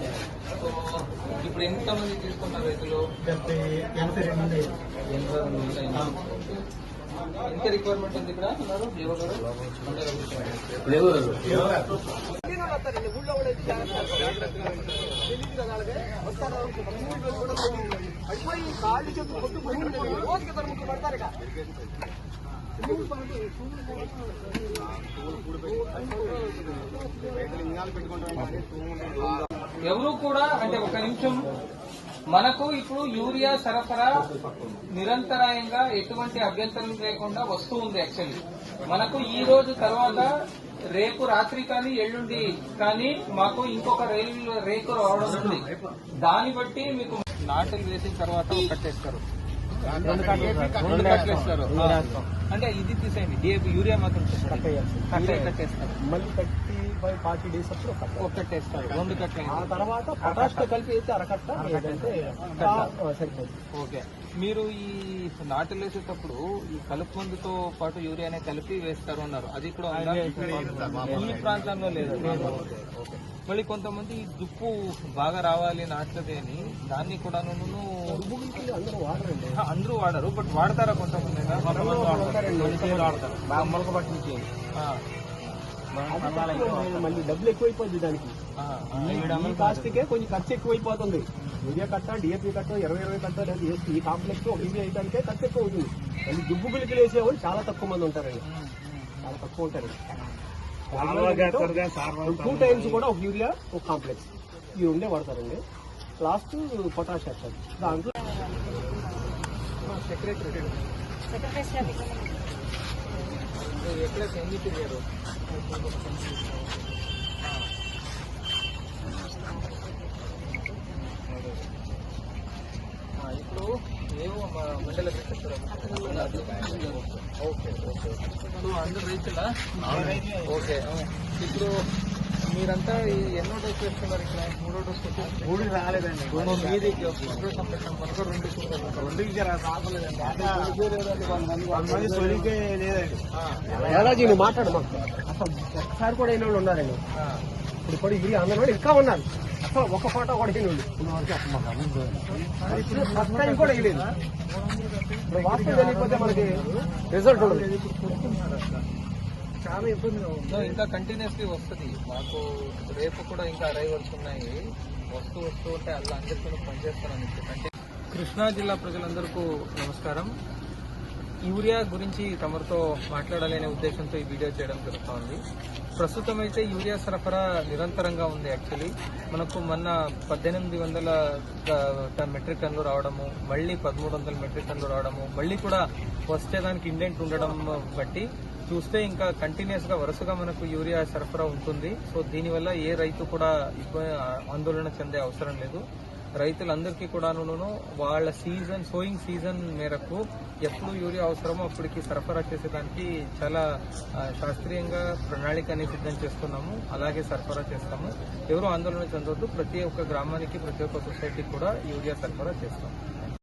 So ఇప్పుడు ఎంతమంది తీసుకున్నారు రైతులు? 82 ఎంత రిక్వైర్మెంట్ ఉంది ఇక్కడ ఉన్నారు? ఎవరు కూడా అంటే ఒక నిమిషం, మనకు ఇప్పుడు యూరియా సరఫరా నిరంతరాయంగా ఎటువంటి అభ్యంతరం లేకుండా వస్తూ ఉంది. యాక్చువల్లీ మనకు ఈ రోజు తర్వాత రేపు రాత్రి కానీ ఎల్లుండి కానీ మాకు ఇంకొక రేకు రావడం ఉంది. దాన్ని బట్టి మీకు నాటులు వేసిన తర్వాత కట్టేస్తారు, రెండు కట్టలు ఇస్తారు. అంటే ఇది తీసేయండి, DAP యూరియా మాత్రం కట్టేస్తారు. మళ్ళీ 40 days అప్పుడు కట్టేస్తారు, రెండు కట్టలు. ఆ తర్వాత పొటాష్ తో కలిపి అయితే అరకట్ట సరిపోతుంది. ఓకే, మీరు ఈ నాటులు వేసేటప్పుడు ఈ కలుపు మందుతో పాటు యూరియానే కలిపి వేస్తారు అన్నారు, అది కూడా ఈ ప్రాంతంలో లేదు. మళ్ళీ కొంతమంది దుప్పు బాగా రావాలి నాట్లది అని దాన్ని కూడా అందరూ వాడరు, బట్ వాడతారా కొంతమంది? వాడతారు మొలక పట్టించి. మళ్ళీ డబ్బులు ఎక్కువైపోద్ది దానికి, ఈ కాస్ట్కే కొంచెం ఖర్చు ఎక్కువైపోతుంది. యూరియా కట్ట, DAP కట్ట, 20 కట్ట లేదు, ఈ కాంప్లెక్స్ ఒక యూరియా వేయడానికే ఖర్చు ఎక్కువ అవుతుంది. మళ్ళీ దుబ్బు గులికలు వేసేవాళ్ళు చాలా తక్కువ మంది ఉంటారండి, చాలా తక్కువ ఉంటారు. 2 times కూడా ఒక యూరియా ఒక కాంప్లెక్స్ ఈ రెండే వాడతారండి. లాస్ట్ పొటాష్ వేస్తారు. దాంట్లో సెక్రటరీ ఎక్కడ ఎన్ని తిరిగారు? ఇప్పుడు ఏవో మండల ఓకే ఓకే, ఇప్పుడు అందరు రైతులా? ఓకే, ఇప్పుడు మీరంతా ఎన్నో డోస్ వేస్తున్నారు ఇక్కడ? 3వ డోస్? 3 రాలేదండి. మీది దాదాజీ నువ్వు మాట్లాడు, మాకు అసలు ఒకసారి కూడా అయిన వాళ్ళు ఉన్నారండి. ఇప్పుడు కూడా ఇది అందరూ ఇంకా ఉన్నారు, అసలు ఒక ఫోటో కూడా అయిన వాళ్ళు ఫస్ట్ టైం కూడా వేయలేదు. ఇప్పుడు వాస్తవం తెలియకపోతే మనకి రిజల్ట్ ఉండదు. చాలా ఇబ్బందిగా ఉంది. ఇంకా కంటిన్యూస్లీ వస్తుంది మాకు. రేపు కూడా ఇంకా అరైవల్స్ ఉన్నాయి, వస్తూ ఉంటే అలా అందరికీ పనిచేస్తారని చెప్పి. కృష్ణా జిల్లా ప్రజలందరికీ నమస్కారం. యూరియా గురించి తమరితో మాట్లాడాలనే ఉద్దేశంతో ఈ వీడియో చేయడం జరుగుతోంది. ప్రస్తుతం అయితే యూరియా సరఫరా నిరంతరంగా ఉంది. యాక్చువల్లీ మనకు మొన్న 1800 మెట్రిక్ టన్నులు రావడము, మళ్ళీ 1300 మెట్రిక్ టన్నులు రావడము, మళ్ళీ కూడా వచ్చేదానికి ఇండెంట్ ఉండడం బట్టి చూస్తే ఇంకా కంటిన్యూస్ గా వరుసగా మనకు యూరియా సరఫరా ఉంటుంది. సో దీనివల్ల ఏ రైతు కూడా ఆందోళన చెందే అవసరం లేదు. రైతులందరికీ కూడాను వాళ్ళ సోయింగ్ సీజన్ మేరకు ఎప్పుడు యూరియా అవసరమో అప్పటికి సరఫరా చేసేదానికి చాలా శాస్త్రీయంగా ప్రణాళికని సిద్ధం చేస్తున్నాము, అలాగే సరఫరా చేస్తాము. ఎవరు ఆందోళన చెందొద్దు. ప్రతి ఒక్క గ్రామానికి, ప్రతి ఒక్క సొసైటీకి కూడా యూరియా సరఫరా చేస్తాము.